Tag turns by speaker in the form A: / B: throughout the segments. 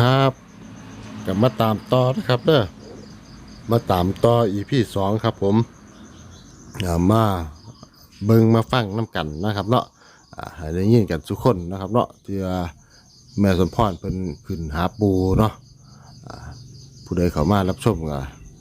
A: ครับกลับมาตามต่อนะครับเด้อมาตามต่อEP 2ครับผมมาเบิ่งมาฟังน้ำกันนะครับเนาะให้ได้ยินกันทุกคนนะครับเนาะที่แม่สมพรเพิ่นขึ้นหาปูเนาะผู้ใดเข้ามารับชมก็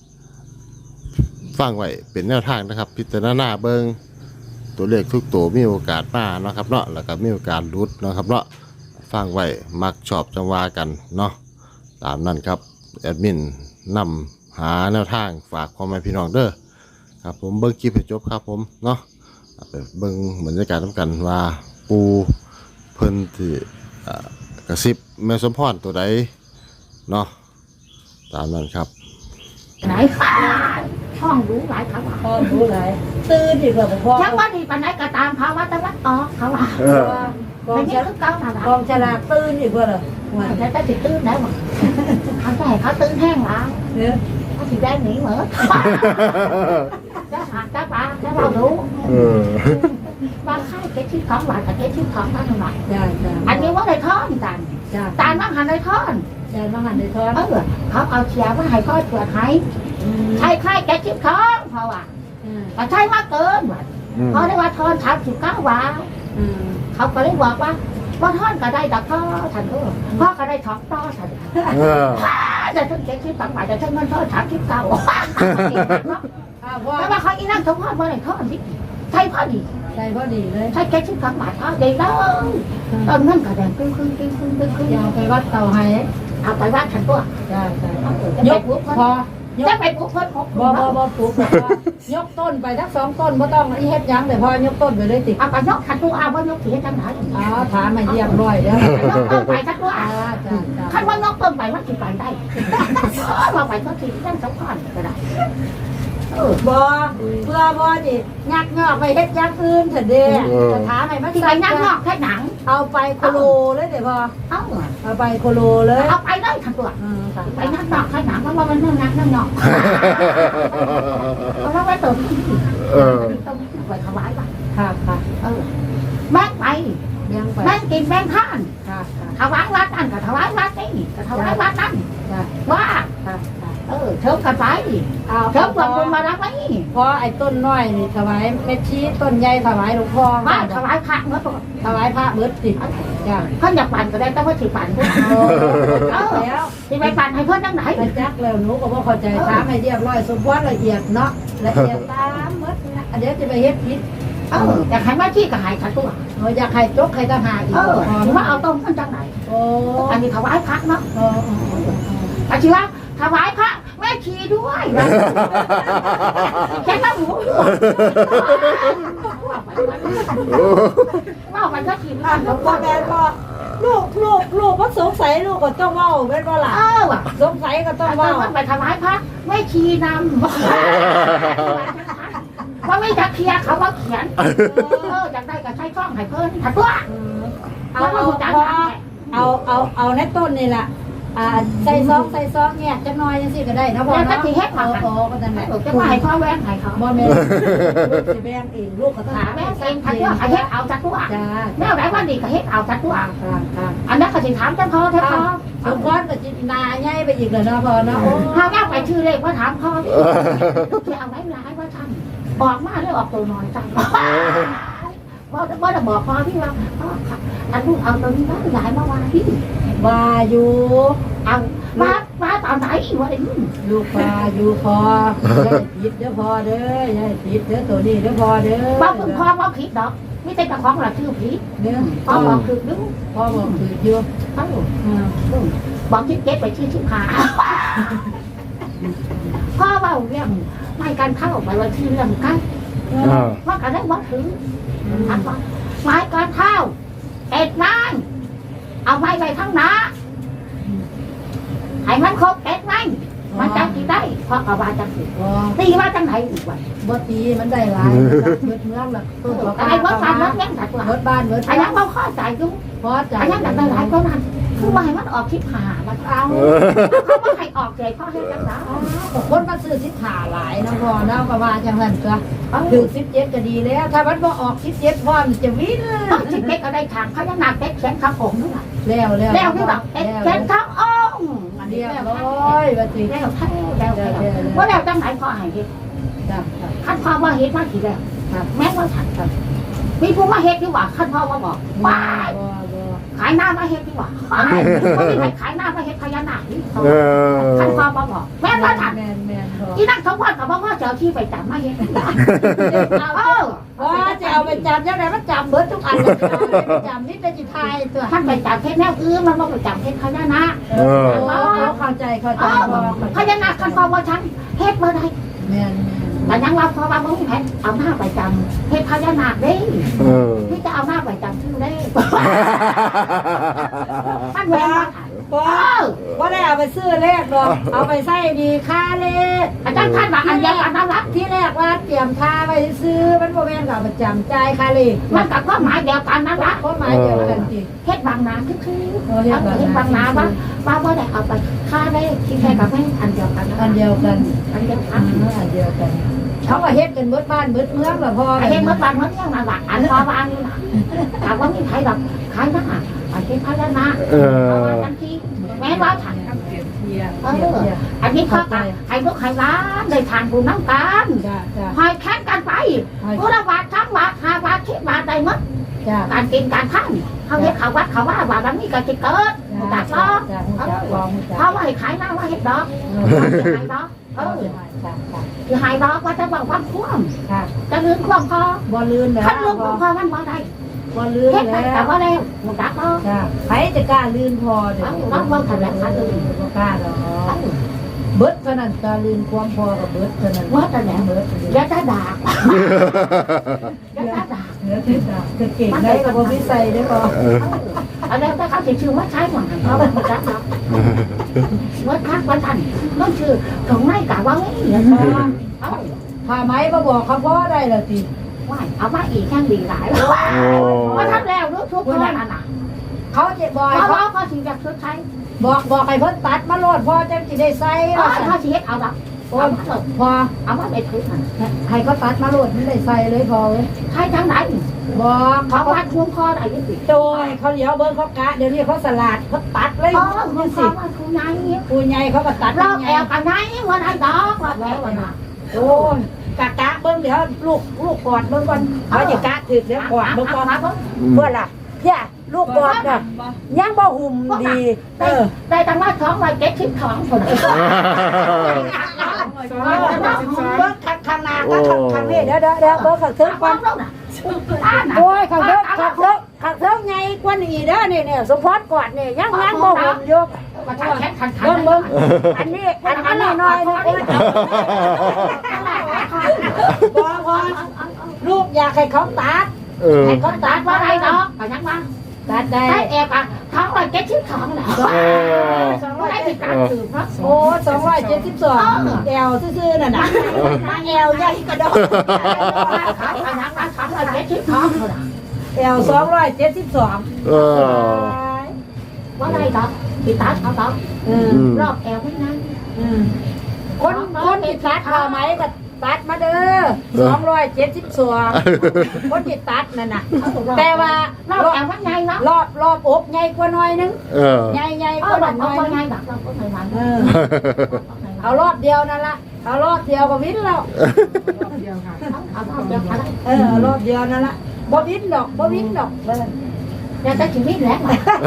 A: ฟังไว้เป็นแนวทางนะครับพิจารณาเบิ่งตัวเลขทุกตัวมีโอกาสมาเนาะครับเนาะแล้วก็มีโอกาสหลุดเนาะครับเนาะฟังไว้มักชอบจังว่ากันเนาะตามนั้นครับแอดมินนำหาแนวทางฝากพ่อแม่พี่น้องเด้อครับผมเบิ่งคลิปให้จบครับผมเนาะไปเบิ่งบรรยากาศนำกันว่าปูเพิ่นที่กระซิบแม่สมพรตัวใดเนาะตามนั้นครับ
B: ไหนห้องรู้หลายเขาว่า
C: พ่อรู้ไรตื่นดีกว่าพ่อ
B: ยังว่าดีปานไหนก็ตามเขาว่าตะวันออกเขาว่าก
C: อง
B: ไม่
C: ฉ
B: ใช่
C: ลาก
B: คือเก่าหนา
C: กองฉลากตื่นดีกว่าเหรอ
B: แต่แต่ติดตื้นได้หมดเขาแต่เขาตื้นแห้งแล้ว
C: เนี่ย
B: เขาสิได้หนีเหมือนจะหักจะปาจะเรารู้บางค่ายเก็ตชิ้นของหวานกับเก็ตชิ้นของนั่นหวาน
C: จ้าจ้า
B: อันนี้ว่าในท่อนกัน
C: จ้า
B: ตาลมั่งหันในท่อน
C: จ้ามาหันในท้อง
B: เขาเอาเชียร์มาให้ค่อยตรวจให้ใช่ค่ายเก็ตชิ้นของเพราะว่าแต่ใช่มากเกินว่ะเพราะได้ว่าทอน39 บาทเขาก็เลยบอกว่าท่อนก็ได้ดอกพ่อฉันพ่อก็ได้ท้องต่อฉันจะถึง72 บาทจะถึงเงินทอน39แต่ว่าเขาอีนั่งสมพรว่าไหนทอนสิใช่พอดี
C: ใจพอดีเลย
B: ใช่72 บาทพอดีเลยตอนนั้นก็แดงครึ่ง
C: อยากไปวัดเต่าไฮ
B: เอาไปวัดฉันตัว
C: จ้าจ้าย
B: กพอจะไปปุ๊บเพิ่น6
C: บ่ปลูกยกต้นไปทั้ง2 ต้นบ่ต้องอีเฮ็ดยังแต่พอยกต้นไปเลยติ
B: เอาไปยกฉันตัวเอาว่ายกเสียจังไหน
C: อ๋อถามมาเยี่ยมร้อยแล้ว
B: ยกต้นไปฉันตัว
C: จ้าจ้าจ้า
B: ขั้นว่ายกต้นไปมันสิไปได้มาไปก็สินั่งสมพรก็ได้
C: บ่เพื่อบ่ดิยักงอกไปเฮ็ดยังอื่นเถอะเด้จะถามให้มา
B: ที่ไปนั่งนอกแค่หนัง
C: เอาไปโคโลเลยเด้บ่ เอาไปโคโลเลย
B: เอาไปได้ทั้งตัวไปนั่งนอกแค่หนังเพราะว่ามันนั่งนอกเพราะว่าตัวที่ต้องไปถวายป่ะ
C: ค่ะค่ะ
B: แม่ไป
C: ยังไป
B: แม่กินแม่ท่าน
C: ค่ะค่ะ
B: ถวายวัดนั่นก็ถวายวัดนี่ก็ถวายวัดนั่น
C: ค่ะ
B: ว่า
C: ค่ะ
B: เชิญกันไป
C: เอา
B: เชิญคนบุญมารับไว้
C: เพราะไอ้ต้นน้อยนี่ถวายเม็ดชี้ต้นใหญ่ถวายหลวงพ่อ
B: ว่าถวายพระเมื่อตัว
C: ถวายพระเบิดสิจ้ะ
B: ท่านอยากปั่นก็ได้ต้องว่าถือปั่นด้วย
C: แล้ว
B: ที่ไปปั่นให้เพื่อนทั้งไหน
C: ไปจักแล้วหนูก็บ่เข้าใจถามให้เรียบร้อยสมบูรณ์ละเอียดเนาะละเอียดตามหมดนะเดี๋ยวจะไปเฮ็ดผิด
B: อยากให้มาที่ก็หายขัดตัว
C: อยากให้จกให้ทหารอีก
B: ถือว่าเอาต้มกันจังไหน
C: โอ้
B: อันนี้ถวายพระเนาะอาชีวะถวายพระแม่ชีด้วยแค่ต้องหมูว่าไปก็ทีมงาน
C: พ่อแม่ก็ลูกว่าสงสัยลูกก็ต้องเว้าแม่นบ่ล่ะสงสัยก็ต้องเว้า
B: ไปถวายพระแม่ชีนำว่าไม่จะเคลียร์เขาว่าเขียนอยากได้ก็ใช้ช่องให้เพิ่นถัดตัว
C: เอาในต้นนี่แหละใส่ซองเนี่ยจะน้อยจังซี่ก็ได้นะพ่อ
B: แล้วก็
C: เนาะ
B: สิเฮ็ดมา
C: โอ้ก็นั่นแหละ
B: จะมาให้พ่อแว่งให้เขา
C: บ่แม่สิแบ่งเองลูกก็ต้อง
B: หาแม่เองถัดตัวเฮ็ดเอาถัดตัว
C: จ้า
B: แม่ไหนว่าดีก็เฮ็ดเอาถัดตัว
C: ค่ะ
B: อันนั้นก็สิถามจังพ่อแท้พ่อ
C: สมพรก็จินาใหญ่ไปอีกแล้วเนาะพ่อเนาะ
B: หาแม่ไปชื่อเลขว่าถามพ่อที่เอาไว้ร้ายว่าท่านบอกมาเลยออกตัวน้อยจังว่าจะบอกพ่อที่ว่าอันลูกเอาตัวนี้ย้ายมาว่าที่
C: ว่าอยู่
B: เอามาตอนไหนวะไอ้นี่
C: ลูกว่าอยู่พออย่าผิดเด้อพ่อเด้ออย่าผิดเด้อตัวนี้เด้อพ่อเด้อ
B: ว่าคุณพ่อว่าผิดดอกไม่ใช่กระของหลักชื่อผิด
C: เด้อ
B: พ่อบอกคือดู
C: พ่อบอกผิดอยู่
B: บอกที่เก็บไปชื่อหาพ่อว่าเรื่องไม่การเข้าไปว่าที่เรื่องกันว่าการได้วัดถือไม้การเข้าเอ็ดนางเอาไม้ไปทั้งน้าให้มันครบเอ็ดนางมันจังกี่ได้เพราะเอาว่าจังสิตีว่าจังไหนอีกวัน
C: บ่ตีมันได้หลายเบิดเมืองละ
B: ไอ้วัดการวัดแย่งสัตว์
C: เบิดบ้านเบิด
B: ไอ้ยังเราข้อใจดู
C: พอใจ
B: ไอ้ยังแต่หลายก็นั่นคือว่าให้มันออกทิพหาแล้วเอาเขาว่าให้ออกใจพ่อให้จังหวะ
C: คนมาซื้อ15หลายนะพ่อเนาะก็ว่าจังนั้นก็ถึง17ก็ดีแล้วถ้ามันบ่ออก17พ่อมันจะวิ่ง
B: ต้องจิตเล็กก็ได้ทางเขายังหนักเล็กแขนขาผมด้วย
C: แล้ว
B: แล้วที่แบบเล็กแขนขาอ้อมอันนี้
C: เรียบ
B: แล้ว
C: ร้อยว่าสิ
B: แล้วว่าแล้วจังไหนพอให้เฮ็ด
C: ครับ
B: ขั้นพ่อว่าเฮ็ดมาทีแล้วแม่ว่าฉันครับมีผู้มาเฮ็ดดีกว่าขั้นพ่อว่าบอกไม่ขายหน้ามาเฮ็ดดีกว่าไม่มีใครขายหน้ามาเฮ็ดพญานาคนี่เขา
A: เออ
B: ขั้นพ่อว่าบอกแม่ว่าฉัน
C: แม่น
B: ที่นั่งทั้งวันกับว่าเจ้าที่ไปจับมาเฮ็ด
C: ว่าจะเอาไปจับยังไงมันจับเบิดทุกอันเลยจับนี่เป็นจิตไทยตัว
B: ท่านไปจับเฮ็ดแนวอื่นมันบ่ไปจับเฮ็ดพญานาค
C: เข้าใจ
B: พญานาคขั้นพ่อว่าฉันเฮ็ดเมื่อไร
C: แม่น
B: แต่ยังว่าพอว่ามึงแพ้เอาหน้าไปจำเฮ็ดพญานาคเด้
A: เออ
B: ที่จะเอาหน้าไปจำชื่อเด้มันแหวน
C: ว่าได้เอาไปซื้อเลขหรอกเอาไปใส่ดีค่าเลข
B: อาจารย์ท่านว่าอันเดียวกันนั่นละ
C: ที่แรกว่าเตรียมค่าไปซื้อมันโมเมนต์กับประจำใจค่าเลข
B: มันกับความหมายเดียวกันนั่นละ
C: ก็หมายเดียวกันจริง
B: เฮ็ดบางนาคือเฮ็ดบางนาว่าได้เอาไปค่าได้ที่แค่กับแม่อันเดียวกัน
C: อันเดียวกัน
B: อันเดียวกัน
C: อันเดียวกันเขาว่าเฮ็ดกันเบิดบ้านเบิดเมืองแบบพอ
B: เฮ็ดเมื่อวันเมื่อยังนั่นละอันพอว่าอันนี้ล่ะถามว่ามีใครแบบขายหน้าอันเฮ็ดพญานาคทันทีแม่ว่าฉันอันนี้เขาใครลูกใครร้านได้ทานบุญน้ำกัน
C: จ้าจ้า
B: หอยแข่งกันไปผู้ละบาททั้งบาท5 บาท10 บาทได้หมด
C: จ้า
B: การกินการทำเขาเฮ็ดเขาวัดเขาว่าว่าแบบนี้ก็จะเกิดตัดล้อ
C: จ้าจ้าลองจ้า
B: เขาว่าให้ขายหน้าว่าเฮ็ดดอกขายดอกคือหายดอกว่าจะบอกว่าคว่ำ
C: ค่ะ
B: จะลืมคว่ำพอ
C: บ่ลืมแล้ว
B: ขั้นลืมพอมันบ่ได้
C: บ่ลืม
B: เฮ็ดไป
C: แล้
B: แต่
C: ว
B: ว่าแล้วมันดักเนาะ
C: จ้าใครจะกล้าลืมพอเดี๋ยว
B: เราเบิ่งกันแล้วค่ะลืม
C: บ่กล้าหรอกเบิดเท่านั้นตาลืมความพอกับเบิดเท่านั้น
B: ว่าแต่แล้ว
C: เบิด
B: อย่าจะด่าอย่าจะด่า
C: เหนือที่จ้าคือเก่งได้กับบ่มีใส่ได้พอ
B: อันนี้ถ้าเขาสิชื่อว่าใช้หวังเขาเป็นจักเนาะว่าคักว่าทันต้องชื่อของไม่กะว่าไม่เหรอเอา
C: ผ้าไหมมาบอกเขาพ่อได้แล้วสิ
B: ว่าเอามาอีกแค่ดีหลายว่าทำแล้วรู้ทุกคนนั่นน่ะ
C: เขาจะบอก
B: เพราะ
C: เขา
B: ว่าเขาสิจะซื้อใช้
C: บอกให้เพิ่นตัดมาโลดพ่อจังสิได้ใส่
B: เขาสิเฮ็ดเอาดอก
C: โอ้
B: เอามาเลย
C: พอ
B: เอามาไปถือมัน
C: ให้เขาตัดมาโลดมันได้ใส่เลยพอเว้ย
B: ใช้ทั้งไหน
C: บอก
B: เขา
C: เขา
B: วัดคุ้มคออะไรยี่สิ
C: โดยเขาเลี้ยวเบิ้งเขากะเดี๋ยวนี้เขาสลัดเขาตัดเลย
B: อ๋อคุ้
C: นี่
B: มค
C: สิ
B: อว่าคุณนาย
C: ปูใหญ่เขาก็ตัด
B: รอบแอวกันไหนวันไหนดอกว่าแล้ววันน่ะ
C: โอ้ยกะเบิ้งเดี๋ยวลูกกอดเบิ้งก่อนเขาจะกะถึกเดี๋ยวกอดเบิ้งก่อนเพื่อล่ะย่าลูกกอดน่ะยังบ่หุ่มดี
B: ได้ตั้งว่าท้องไว้72คน
C: เบิ้งข้างหน้าก็ข้างนี้เดี๋ยวเบิ้งข้างทึกก่อนโอ้ยข้างทึกไงกว่านี้เด้อนี่สมพรกอดนี่ยังบ่หุ่มอยู่
B: มาทางแขนขันขัน
C: เบิ้งอันนี้น้อยนึงพอลูกอยากให้เขาตัด
B: ให้เขาตัดว่าไรดอกก็ยังว่า
C: ตัดได้
B: ได้แอบอ่ะท้องไว้72แหละว่าได้ติดตามสืบเนาะ
C: โอ้272แอลซื่อๆน่ะนะแอลใหญ่กระดก
B: เขาอันนั้นว่าท้องไว้72คน
C: แอล272
B: ว่าไรดอกติดตามเขาดอกรอบแอวไม่นั่น
C: คนติดตัดพอไหมก็ตัดมาเด้อ272คนติดตัดนั่นน่ะแต่ว่าร
B: อบแอวมันไงเนาะ
C: รอบอกใหญ่กว่าหน่อยนึง ใหญ่
B: เอก อ
C: ว่า
B: แบบ
C: หน่อย
B: เขา
C: นึง
B: ไงแบบเราก็เคยมัน
C: เอารอบเดียวนั่นละเอารอบเดียวก็วินแล้ว
B: เอารอบเดียวกัน
C: เอารอบเดียวนั่นละบ่วินดอกเลย
B: เดี๋ยวจะชีวิตแล้ว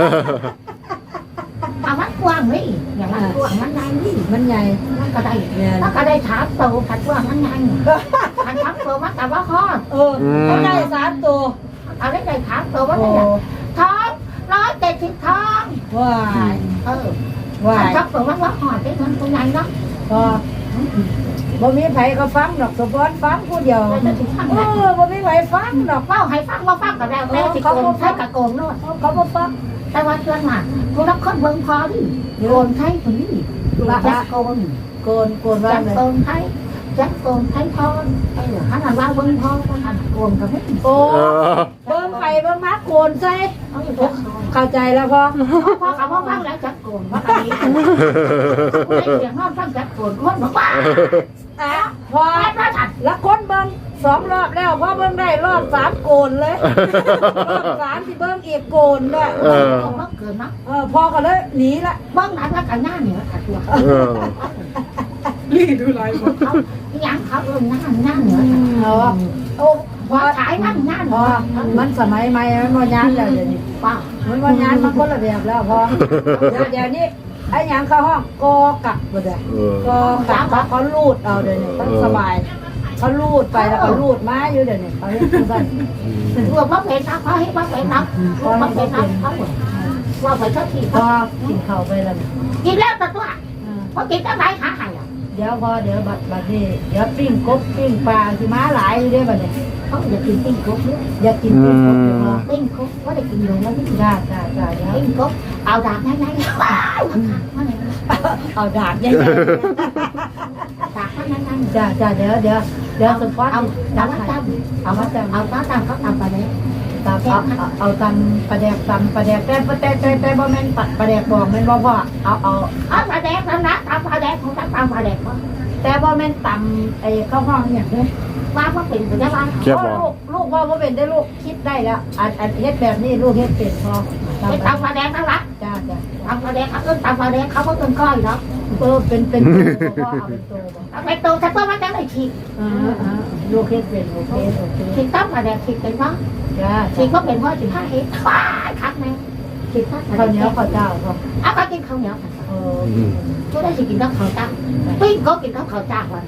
B: เอามันกว้างนี่อย่างมันกว้างมันไงนี่
C: มันใหญ่
B: มันก็ได้มันก็ได้ถามโตผัดกว้างมันไงผัดถามโตมันแต่ว่าข้อ
C: เขาได้3ตัว
B: เอาได้ถามโตว่าได้ท้อง170ท้อง
C: ว้าย
B: ผัดถามโตมันว่าหอดได้มันตรงไหนเนาะ
C: ก็บ่มีไผก็ฟังดอกสมพรฟังผู้เดียวบ่มีไผฟังดอก
B: เฝ้าให้ฟังว่าฟังกับแล้วแล้วสิโกนใช้กับโกนโน่น
C: เขาบ่ฟัง
B: แต่ว่าเชื่อมาผู้รับคนเบิ่งพอดิโกนใช้คนนี้แจ็คโกน
C: โกนว่า
B: แจ็ค
C: เลย
B: โกนใช้แจ็คโกนใช้พอหันว่าเบิ่งพอหันโกนกับไม่
C: โอ้เบิ่งไปเบิ่งมาโกนใส่เข้าใจแล้วพอ
B: พอกับว่าฟังแล้วแจ็คโกนว่าอันนี้ไม่เสียงนอนฟังแจ็คโกนคนบอกว่า
C: พอแล้วคนเบิ่ง2 รอบแล้วพอเบิ่งได้รอบ3โกนเลยรอบ3ที่เบิ่งอีกโกนด้วย
B: มันเกินเนาะ
C: พอก็เลยหนีละ
B: เบิ่งนั้นแล้วกันหน้าเหนือขัดตัว
C: รีดูไร
B: เขายังเขาหน้าเหนือโอ้พอขายนั่งหน้าเหนือ
C: มันสมัยใหม่มันบ่ยานแล้วเดี๋ยวนี้ป้ามันบ่ยานมันคนละแบบแล้วพอเดี๋ยวนี้ไอ้หยังเข้าห้องกอกับบ่ได้กอกับเขาลูดเอาเดี๋ยวนี้ต้องสบายเขาลูดไปแล้วก็ลูดมาอยู่เดี๋ยวนี้เขาเฮ็ดจังซั่น
B: รวมบ่เป็นนะเขาให้บ่เป็นนะบ่เป็นนะเขาว่าไปสักที
C: พอกินข้าวไปแล้ว
B: กินแล้วตัวพอกินจังได๋หาให้
C: เดี๋ยวพอเดี๋ยวบัดนี้เดี๋ยวปิ้งกบปิ้งปลาสิมาหลายอยู่เด้บัดนี้
B: เขาอยากกินปิ้งกบเยอะ
C: อยากกินปิ้งกบ
B: ปิ้งกบว่าได้กินอยู่แล้วนี่
C: จ้า
B: ปิ้งกบเอาดาบง่ายๆ
C: เอาดาบง่าย
B: ๆดาบง่าย
C: ๆจ้าเดี๋ยวสปอร์ต
B: เอามาตำเขาตำไปเลย
C: เอาตำปลาแดกแต่บ่แม่นปลาแดกบอกแม่นบ่พ่อ
B: เอาปลาแดกแล้วนะตำปลาแดกของตำปลาแดก
C: แต่บ่แม่นตำไอ้ข้าวห้องอย่างนี้
B: ว่าเป็นไปได้บ้าง
C: ลูกว่าเป็นได้ลูกคิดได้แล้วอันเฮ็ดแบบนี้ลูกเฮ็ดเป็นพอ
B: ตำปลาแดกนั่นละ
C: จ้า
B: ตำปลาแดกเขาตำปลาแดกเขาเพิ่งก้อยเนาะ
C: เป็นพ่อเอา
B: เป็นโตถ้าตัวมันจะได้ฉีก
C: ลูกเฮ็ดเป็นโอเค
B: ฉีกตำปลาแดกฉีกเป็นเพราะฉีกก็เป็นเพราะ15 เฮ็ดคักแม่ฉีกข้
C: าวเหนียวข้าวเจ้า
B: เอาไปกินข้าวเหนียวช่วยได้สิกินข้าวเจ้าปิ้งก็กินข้าวเจ้าวัน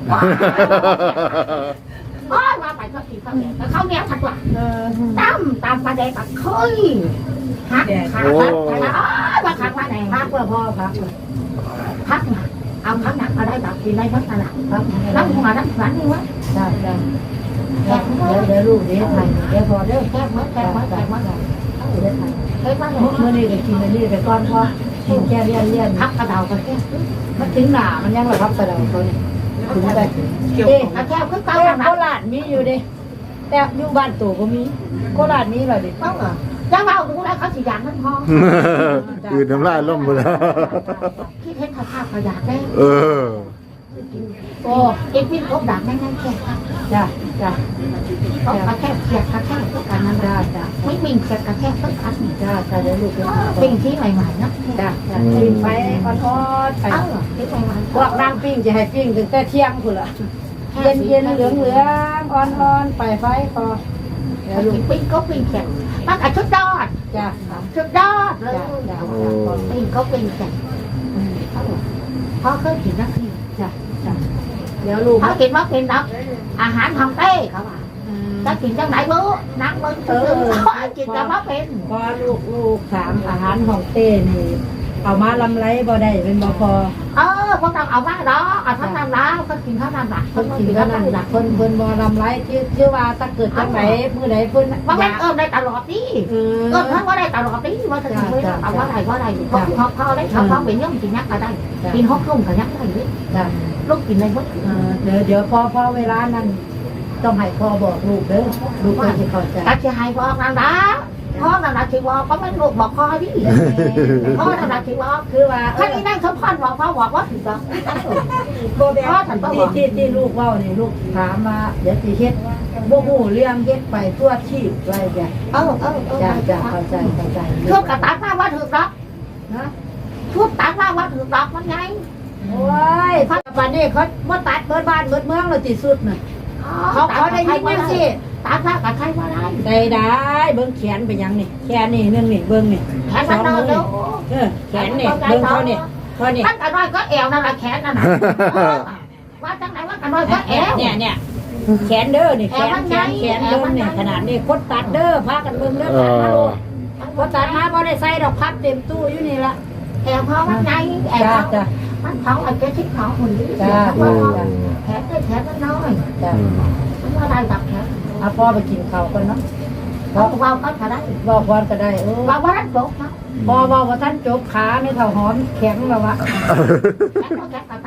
B: ว่าไปก็กินข้าวเหนียวแต่ข้าวเหนียวถัดว่าตำปลาแดกแบบเคยฮักว่าขักว่าไหน
C: พักว่าพ่อพัก
B: เอาพักหนักมาได้แบบกินได้พักหนักน้ำหัวน้ำฝันนี่วะ
C: จ้าเดี๋ยวลูกเดี๋ยวไทยเดี๋ยวพอเดี๋ยว
B: แก้มเดี๋ยวไทยเ
C: มื่อนี้ก็กินอันนี้แต่ก่อนพอกินแก้เลี่ยน
B: พักกระเดากันแก้
C: มันถึงหนามันยังระพับกระเดาเขาเนี่ยถึงไป
B: แก้คือเก่า
C: โคราชมีอยู่ดิแต่อยู่บ้านตู่ก็มีโคราชมีแบบดิ
B: ต้องเหรอจะเบาดูแลเขาสิยางมันพอ
A: คือน้ำลายล่มหมดแล้ว
B: คิดเห็นข้าวขยะได้
C: โอ้
B: กินปิ้งกบดักแน่ๆแค่
C: จ้า
B: เขากระแทกเขียดกระแทกทุกการนั้นจ้าไม่ปิ้งเขียดกระแทกทุกครั้ง
C: จ้าเดี๋ยวลูก
B: ปิ้งที่ใหม่ๆนะ
C: จ้าปิ้งไปอ่อนๆไปพวกนั่งปิ้งจะให้ปิ้งถึงแต่เที่ยงคุณล่ะเย็นเหลืองอ่อนๆไปไฟพอ
B: เดี๋ยวลูกปิ้งก็ปิ้งเขียดมันชุดยอด
C: จ้า
B: ชุดยอดเลยปิ้งก็ปิ้งเขียดเพราะเคยกินนักที่
C: จ้าเดี๋ยวลูก
B: เขากินว่ากินนักอาหารทำเต้เขาว่าจะกินจังไหนมื้อนักมึงกินจะว่าเป็น
C: พอลูกถามอาหารของเต้นี่เอามาลำไรบ่ได้เป็นบ่พอ
B: พวกเราเอามาđóเอาทั้งนั้นแล้วก็กินทั้งนั้นละ
C: คนกินทั้งนั้นละคนบ่ลำไรชื่อว่าถ้าเกิดจังไหนมื้อใดเพิ่น
B: ว่าแม่ได้ตลอดดิทั้งว่าได้ตลอดดิว่าถึงไม่ได้เอาว่าได้เขาได้เขาเป็นย่อมกินยักษ์ก็ได้กินฮอกลุ่มก็ยักษ์ได้ดิลูกกินอะไรหมด
C: เดี๋ยวพอเวลานั้นต้องให้พ่อบอกลูกเด้อลูกก็จะเข้าใจ
B: ถ้าจะให้พ่อนั่นนะพ่อนั่นนะที่บอกก็ไม่ลูกบอกพ่อดิพ่อนั่นนะที่บอกคือว่าถ้านี่นั่งสมพรบอกพ่อบอกว่าถึงบอกพ่อฉันก็บอก
C: ที่ลูกว่านี่ลูกถามมาเดี๋ยวสิเฮ็ดบ่ฮู้เรื่องเฮ็ดไปตัวชีพอะไรจ้ะจ้ะเข้าใจ
B: ทุกกระตักมาว่าถึงรับนะทุกตักมาว่าถึงรับมันไง
C: โอ้ยปัจจุบันนี้เขามาตัดเบิดบ้านเบิดเมืองแล้วที่สุดน่ะเขาได้ยินจังซี่
B: ตัดมากับใครว่า
C: ได้เบิ่งแขนเป็นหยังนี่แขนนี่นึงนี่เบิ่งนี่
B: แขนมันนอนแล้ว
C: แขนนี่เบิ่งเขานี่
B: ตั้งแต่น้อยก็แอวนั่นแหละแขนนั่นน่ะว่าจังไหนว่ากันน้อยก็แอว
C: เนี่ยแขนเด้อนี่แขนเด้อนี่ขนาดนี้คนตัดเด้อพากันเบิ่งเด้อตัดมาลูกคนตัดมาบ่ได้ใส่ดอกพับเต็มตู้อยู่นี่ละ
B: แอวพ่อมันไงแอวมันเขาไอ้เจ้าชิดเขาคนนี้แขนมันน้อยว่าได้กับแขน
C: เอาพ่อไปกินข้าวกันเนาะ
B: บอกว่าก็ได้
C: บอกวันก็ได้
B: บอกว่าท่านจบนะ
C: พอบอกว่าท่านจบขาในเท้าหอมแข็งแล้ววะ
B: แข็งก็ตามด้วย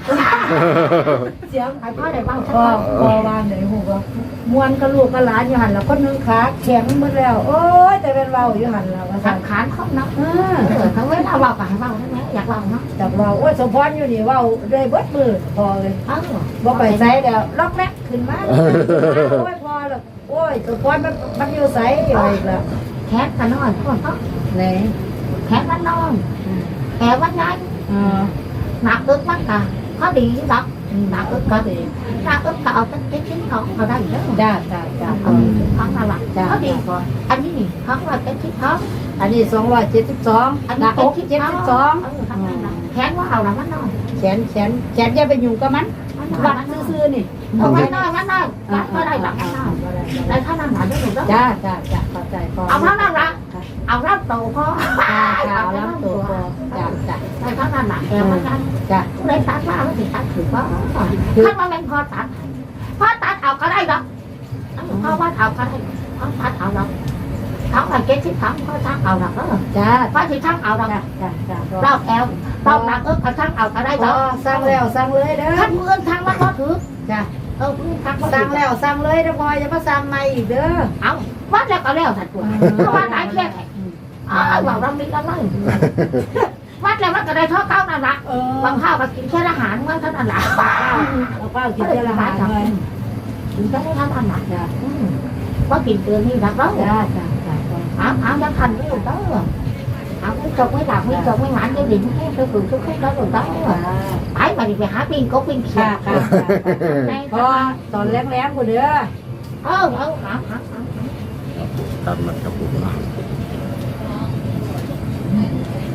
C: เสียง
B: ให้พ่อได้บ้างสัก
C: พอ
B: คน
C: พอวางไหนหูก็มวนกระลูกกระหลานอยู่หันแล้วคนนึงขาแข็งหมดแล้ว โอ้ยแต่เป็นเบาอยู่หันแล้วว่า
B: สั
C: สั่
B: ง
C: น
B: ขารเขาเนาะทั้งเวลาเบากับให้เบาใช่ไหมอยากเบาเนาะ
C: จากเบาโอ้ยสมพรอยู่นี่เบาเลยเบิดมือพอเลย บ่ไปใส่เดี๋ยวล็อกแรกขึ้นมาโอ้ยพอแล้วโอ้ยสมพรมันอยู่ใส่อะไรอีกแล้ว
B: แขนกันนอนทุกคนเขา
C: ไหน
B: แขนมันนอนแขนมันยัน หนักอึกมันกะเขาดีดอกหนักอึกก็ดีหนักอึกก็เอาตั้งชิ้นของเขาได้เยอะ
C: จ้าจ้าจ้า
B: เอาดีของน่ารักเขาดีกว่าอันนี้นี่เขาว่าเป็นชิ้นของ
C: อันนี้272
B: อัน
C: ห
B: นี้
C: น้า
B: เป็
C: อน ก
B: ชิ้น
C: 72
B: แขนว่าเอาละมันนอน
C: แขนอย่าไปยุ่งกับมันวัดซื่อๆนี่
B: เอามันนอนมันนอนวัดก็ได้หลักมันนอนได้เท่านั้นหลักได้หมดแล้ว
C: จ้าจ้าจ้าเข้าใจพอ
B: เอาเท่านั้นละเอารับโตพอ
C: จ้าเอาล้ำตัวพอจ้าจ้า
B: ได้เท่านั้นหลักแกมันกัน
C: จ้า
B: ได้ตัดมาแล้วสิตัดถือว่าถ้ามันเป็นพอตัดเอาก็ได้ดอกเพราะว่าเอาก็ได้พอตัดเอาดอกเขาไปเก็บที่เขาเขาทั้งเอาดอกเออ
C: จ้า
B: เพราะที่ทั้งเอาดอก
C: จ้าจ้าจ้า
B: เราแอลเราหนักก็ทั้งเอาก็ได้ดอก
C: สั่งแล้วสั่งเลยเด้อ
B: ขั้นมือทั้งมันก็ถือ
C: จ้า
B: มือทั้ง
C: สั่งแล้วสั่งเลยเด้อพออย่ามาสั่งใหม่อีกเด้อ
B: เอาวัดแล้วก็แล้วสัตว์ตัวเพราะว่าหลายแค่ไหนเราเรามีอะไรวัดแล้วมันก็ได้เท่าเก้านั่นแหละบางข้าวก็กินแค่อาหารมันเท่านั้นแหละ
C: เอาเป้ากินเจละหาเลย
B: กินแค่เท่านั้นแหละจ้ะว่ากินเกินนี่รักแล้ว
C: จ้าจ้าจ้า
B: áo đang thành cái đường đó rồi áo cái trồng mới làm cái trồng mới mặn cái điểm cái cường chút chút đó đường đó rồi ấy mà đi về hái pin có pin
C: ค่ะ
B: xịt
C: ค่ะพอตอนแรงๆกูเด้อ
B: hả
A: ตามนั้นครับผมนะ